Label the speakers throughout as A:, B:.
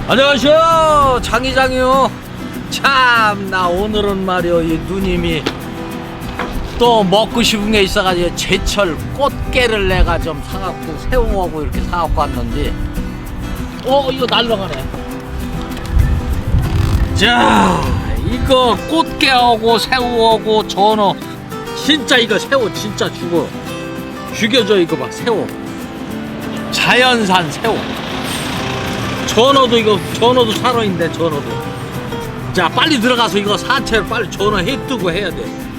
A: 안녕하세요, 장이장이요. 참나 오늘은 말이요, 이 누님이 또 먹고 싶은 게 있어가지고 제철 꽃게를 내가 좀 사갖고 새우하고 이렇게 사갖고 왔는데 이거 날라가네. 자, 이거 꽃게하고 새우하고 전어 진짜 이거 새우 진짜 죽여줘. 이거 봐, 새우 자연산 새우. 전어도 살아있네. 전어도. 자, 빨리 들어가서 이거 사채로 빨리 전어 해 뜨고 해야 돼.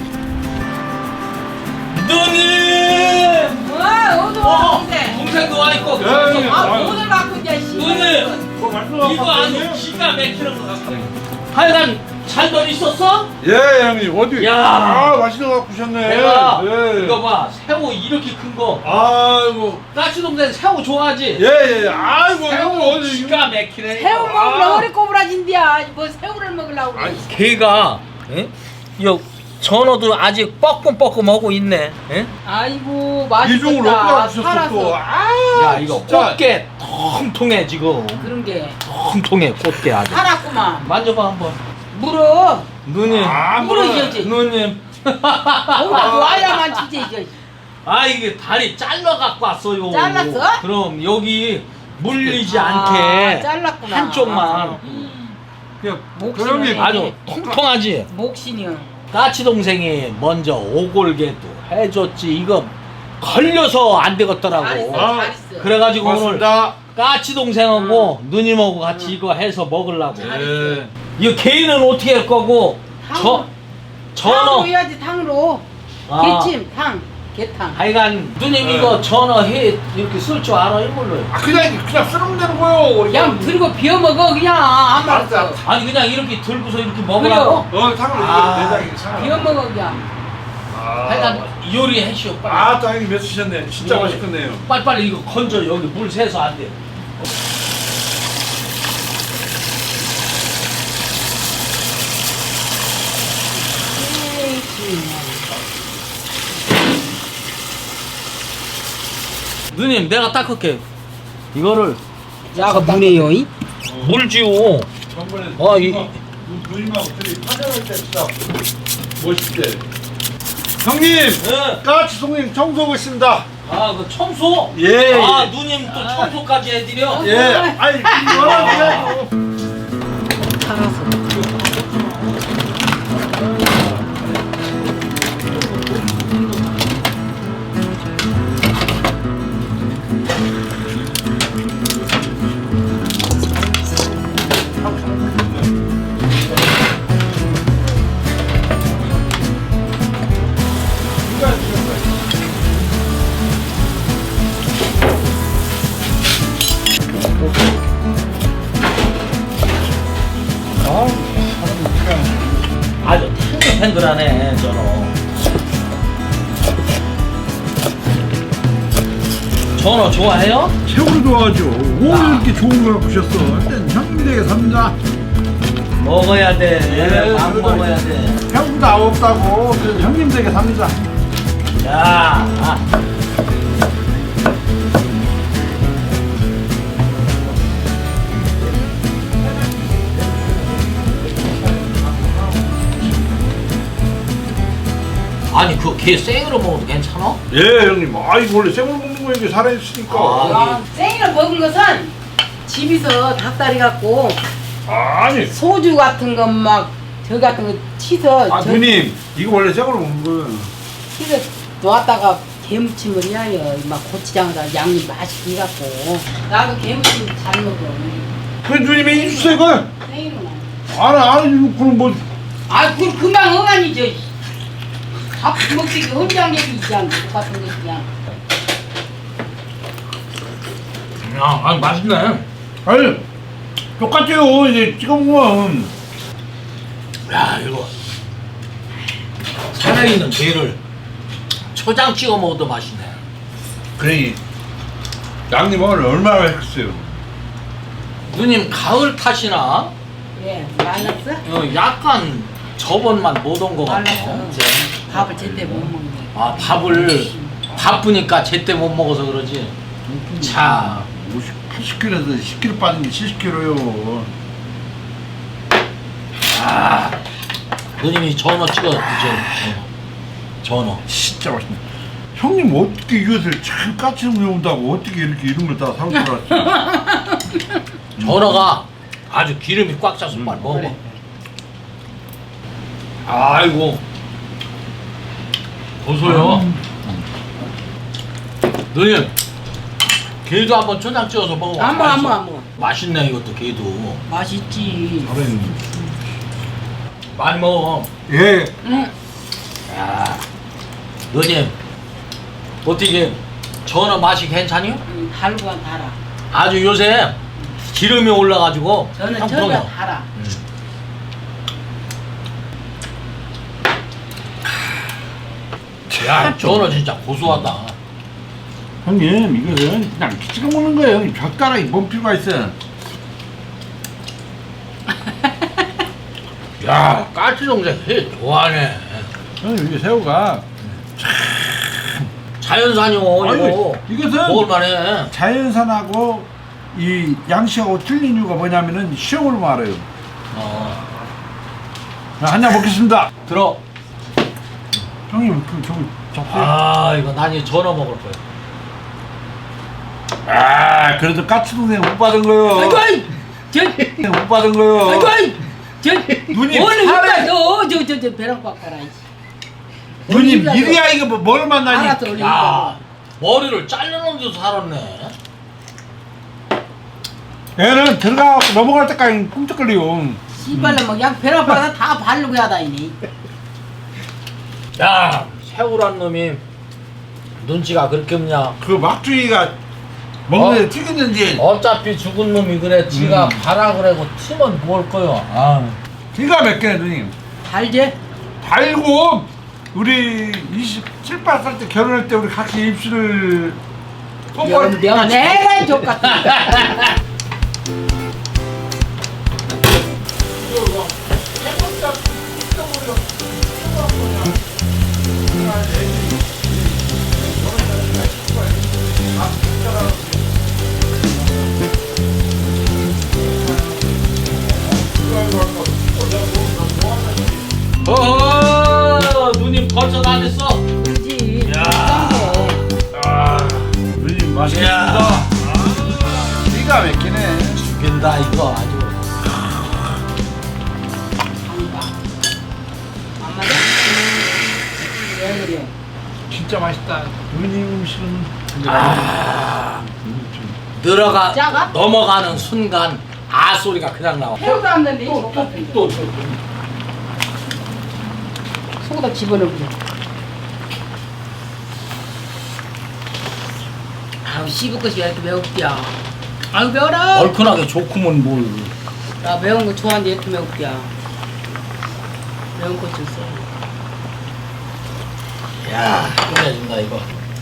A: 누님! 동생도 와있고.
B: 오늘 갖고 이제
A: 누님! 이거 아주 기가 막히는 거 같아. 하여간 잘들 있었어?
C: 예, 형님. 어디?
A: 야.
C: 맛있는 거 갖고 오셨네.
A: 내가
C: 예.
A: 이거 봐, 새우 이렇게 큰 거.
C: 아이고.
A: 까치 동생 새우 좋아하지?
C: 예. 아이고,
A: 새우
C: 형 어디?
A: 기가 막히네.
B: 새우 먹으려 허리 꼬부라진디야. 뭐 새우를 먹으려고 그래.
A: 걔가 이 전어도 아직 뻐끔뻐끔하고 있네. 예?
B: 아이고
C: 이중으로
B: 맛있겠다.
C: 갖고 오셨어 또.
B: 살아서
A: 야, 이거
C: 진짜.
A: 꽃게 통통해 지금.
B: 그런 게
A: 통통해 꽃게 아주.
B: 살았구만.
A: 만져봐 한번.
B: 물어.
A: 누님.
B: 물어야지.
A: 누님.
B: 거기다 놓아야만 진짜 이제.
A: 아, 이게 다리 잘라 갖고 왔어요.
B: 잘랐어?
A: 그럼 여기 물리지
B: 아,
A: 않게
B: 잘랐구나.
A: 한쪽만.
C: 그냥
B: 목숨을
C: 형님.
A: 아주 통통하지.
B: 목신이요.
A: 까치 동생이 먼저 오골개도 해줬지. 이거 걸려서 안 되겠더라고.
B: 잘했어. 잘했어.
A: 그래가지고 오늘
C: 고맙습니다.
A: 까치 동생하고 누님하고 같이 이거 해서 먹으려고.
C: 예.
A: 이거 게는 어떻게 할 거고?
B: 탕으로.
A: 전어.
B: 탕으로 해야지 탕으로.
A: 아.
B: 게찜 탕. 게탕.
A: 하여간 누님 이거 전어 해 이렇게 쓸 줄 알아 이걸로.
C: 그냥 쓰면 되는 거요.
B: 그냥 들고 비워 먹어 그냥 안
C: 알았어.
B: 말았어.
A: 아니 그냥 이렇게 들고서 이렇게 먹으라고?
C: 탕으로
A: 아.
C: 내장이 상하.
B: 비워 먹어 그냥.
A: 하여간 요리 해시오 빨리.
C: 아, 또 형님 몇 주셨네. 진짜
A: 예.
C: 맛있겠네요.
A: 빨리빨리 이거 건져. 여기 물 새서 안 돼. 누님 내가 닦을게. 이거를
B: 야가 문에요 이?
A: 물지요.
C: 전번에
A: 이
C: 누님하고 둘이 파전할 때 진짜 멋있대. 형님,
A: 예.
C: 까치 송님 청소하고 있습니다.
A: 그 청소?
C: 예.
A: 누님 또 청소까지 해드려?
C: 예. 아니, 이거는
B: 살아서.
A: 아주 탱글탱글하네 전어. 전어 좋아해요?
C: 최고로 좋아하죠. 오늘 이렇게 좋은 걸 갖고 오셨어. 일단 형님 댁에 삽니다.
A: 먹어야 돼. 밥
C: 그래도
A: 먹어야 돼.
C: 형도 아무 없다고. 그래서 형님 댁에 삽니다.
A: 자, 아니 그 게 생으로 먹어도 괜찮아?
C: 예, 형님. 아, 이거 원래 생으로 먹는 거예요. 이게 살아있으니까.
B: 생으로 먹은 것은 집에서 닭다리 갖고
C: 아니.
B: 소주 같은 거 막 저 같은 거 치서
C: 누님. 이거 원래 생으로 먹는 거예요.
B: 치서 놓았다가 게무침을 해요. 막 고추장에다 양념 맛있게 해갖고 나도 게무침 잘 먹어.
C: 그 누님이 해주세요, 이걸.
B: 생으로는.
C: 아니, 그럼 뭐.
B: 아, 그 금방 어간이죠. 밥 먹기 혼자 얘기 있잖아. 똑같은 거 그냥.
A: 아니 맛있네.
C: 아니, 똑같아요. 이제 찍어 먹으면.
A: 야, 이거 살아있는 게를 초장 찍어 먹어도 맛있네.
C: 그래. 양님 오늘 얼마나 했어요?
A: 누님 가을 탓이나
B: 예, 말랐어?
A: 약간 저번만 못 온 것 같아.
B: 말랐어. 밥을 제때 못 먹네.
A: 밥을 바쁘니까 제때 못 먹어서 그러지. 자,
C: 80kg에서 10kg 빠진 게 70kg요.
A: 누님이 전어 찍어 드세요. 전어.
C: 진짜 맛있네. 형님 어떻게 이것을 참 까치를 매운다고 어떻게 이렇게 이런 걸 다 사올 줄 알았지?
A: 전어가 아주 기름이 꽉 차서 빨리 먹어.
B: 그래.
A: 아이고 고소해요. 누님 게도 한번 초장 찍어서 먹어.
B: 안 먹어, 안 먹어, 안 먹어.
A: 맛있네 이것도 게도.
B: 맛있지.
C: 잘했네.
A: 많이 먹어.
C: 예.
B: 응.
A: 야, 누님 어떻게 전어 맛이 괜찮요?
B: 달고가 달아.
A: 아주 요새 기름이 올라가지고
B: 저는
A: 상품이요.
B: 전혀 달아.
A: 야, 전어 진짜 고소하다.
C: 형님 이거는 그냥 찍어 먹는 거예요. 젓가락이 뭔 필요가 있어요?
A: 야, 까치 동생 해 좋아하네.
C: 형님 이게 새우가
A: 자연산이요 이거.
C: 이것은
A: 먹을만해.
C: 자연산하고 이 양식하고 틀린 이유가 뭐냐면은 시험으로 말해요. 한잔 먹겠습니다.
A: 들어.
C: 형님 그 저기 접시.
A: 아 이거 난 이 전어 먹을 거야.
C: 그래도 까치 동생 못 받은 거요.
B: 아이고, 아이!
C: 못 받은 거요.
B: 아이고, 아이!
C: 누님
B: 오늘
C: 살에-
B: 저 배랑 꽉가라.
C: 누님 이리야 이거 뭘 만나니?
B: 알았어, 우리
A: 야 머리를 잘라놓은 데도 살았네.
C: 얘는 들어가 넘어갈 때까지 꿈쩍거려요.
B: 씨발로 막양 배랑 꽉다 다 바르고 야다니네.
A: 야 새우란 놈이 눈치가 그렇게 없냐.
C: 그 막주이가 먹는데 튀겼는지
A: 어차피 죽은 놈이 그래. 지가 봐라 그래고 튀면 뭘 거요. 아.
C: 기가 막히네 누님.
B: 달제?
C: 달고 우리 27, 8살 때 결혼할 때 우리 같이 입술을
B: 내가 내가 족같다.
A: 어허 누님 벌써 다 됐어.
B: 그렇지.
A: 야.
C: 누님
A: 야.
C: 맛있겠습니다. 기가 막히네.
A: 죽인다 이거 아주.
B: 안 맞아? 왜 그래?
C: 진짜 맛있다. 누님 음식은
A: 늘어가
B: 작아?
A: 넘어가는 순간 아 소리가 그냥 나와.
B: 새우도 안 넣는데 또 속에다 집어넣어보자. 아우 씹을 것이 왜 이렇게 매운디야. 아우 매워라.
A: 얼큰하게 좋구먼 뭘.
B: 나 매운 거 좋아하는데 이렇게 매운디야. 매운 거 좀 써.
A: 야 끝내준다 이거.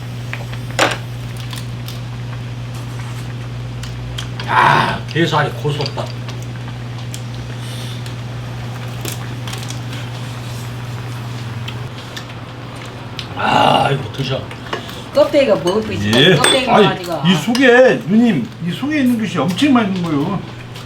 A: 야 게살이 고소다. 아 이거 드셔.
B: 껍데기가 먹을 거 있어.
C: 예.
B: 껍데기가
C: 아니
B: 가지고.
C: 이 속에 누님 이 속에 있는 것이 엄청 맛있는 거요.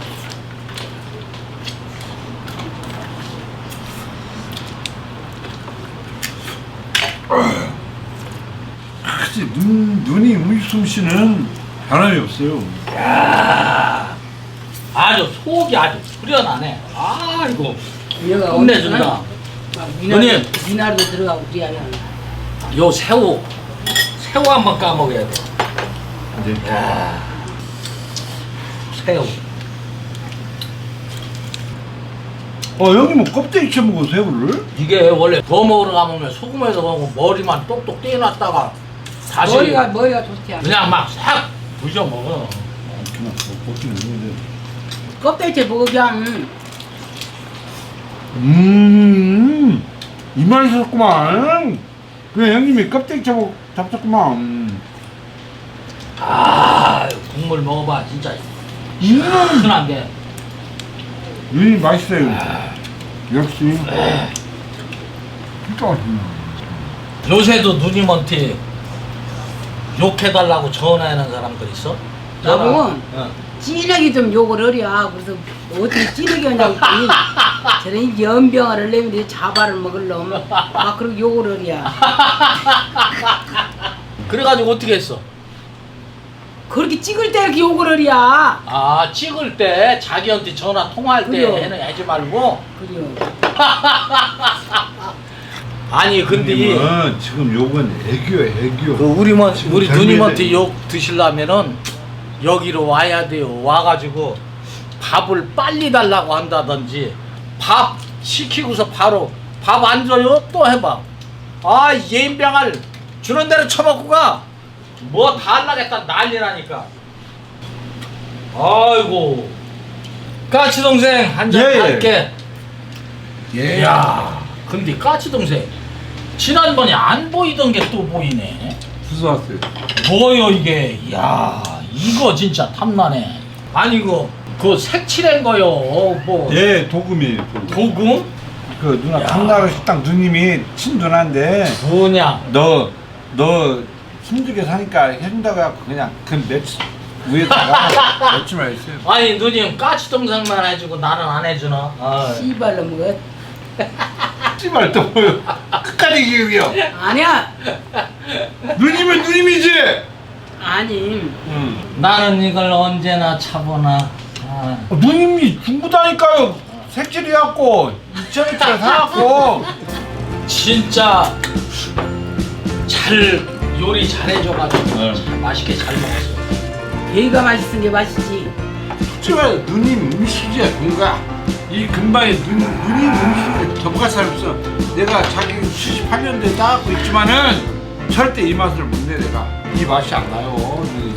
C: 그치 누님 음식 솜씨는 변함이 없어요.
A: 야 아주 속이 아주 후련하네. 아 이거
B: 얘가
A: 끝내준다. 누님.
B: 미나리도 들어가고 그래야
A: 요 새우 한번 까먹어야 돼.
C: 네.
A: 야 새우.
C: 형님 뭐 껍데기 채 먹어 새우를?
A: 이게 원래 더 먹으러 가면 소금에서 먹고 머리만 똑똑 떼어놨다가 다시
B: 머리가 좋지 않아.
A: 그냥 막 싹 부셔 먹어.
C: 그냥 먹기는 했는데.
B: 껍데기 먹어 그냥.
C: 이 맛이었구만. 그 형님이 껍데기 잡혔구만.
A: 아 국물 먹어봐 진짜 순한 게.
C: 누님 맛있어요. 역시. 진짜 맛있네.
A: 요새도 누님한테 욕해달라고 전화하는 사람들 있어?
B: 나보고
A: 어.
B: 찐하게 좀 욕을 하랴. 그래서 어떻게 찐하게 하냐고 했더니 저런 연병아를 내면 자바를 먹을놈 막 그렇게 욕을 하랴.
A: 그래가지고 어떻게 했어?
B: 그렇게 찍을 때 이렇게 욕을 하랴.
A: 아 찍을 때 자기한테 전화 통화할 때
B: 그래요.
A: 해는 하지 말고.
B: 그래요.
A: 아니 근데
C: 누님은 지금 욕은 애교야 애교.
A: 그 우리
C: 지금
A: 누님한테
C: 젊은이들.
A: 욕 드시려면은 여기로 와야 돼요. 와가지고 밥을 빨리 달라고 한다든지 밥 시키고서 바로 밥 안 줘요? 또 해봐. 아 예인병을 주는 대로 처먹고 가. 뭐 다 하려겠다 난리나니까. 아이고 까치 동생 한잔
C: 예, 예.
A: 할게.
C: 예.
A: 야 근데 까치 동생 지난번에 안 보이던 게 또 보이네.
C: 무슨 왔어요?
A: 뭐요 이게? 야 이거 진짜 탐나네. 아니 이거 그 색칠한 거요. 뭐
C: 예, 도금이에요. 도금.
A: 도금?
C: 그 누나
A: 야.
C: 강나루 식당 누님이 친누나인데
A: 뭐냐?
C: 너 힘들게 사니까 해준다고 해갖고 그냥 그 며칠 위에다가 며칠만 있어요.
A: 아니 누님 까치 동생만 해주고 나는 안 해주나? 아.
B: 씨발로 먹어.
C: 씨발 또 뭐요? 끝까지 기억이요.
B: 아니야.
C: 누님은 누님이지.
B: 아니.
A: 나는 이걸 언제나 차보나. 아.
C: 누님이 중구다니까요. 색칠해갖고 2,000원짜리 사갖고.
A: 진짜 잘 요리 잘해줘가지고
C: 네.
A: 참 맛있게 잘 먹었어.
B: 배가 맛있은 게 맛있지.
C: 솔직히 누님 음식이야 뭔가 이 근방에 누님 음식을 접할 사람 없어. 내가 자기 78년도에 따갖고 있지만은 절대 이 맛을 못 내. 내가 이 맛이 안 나요.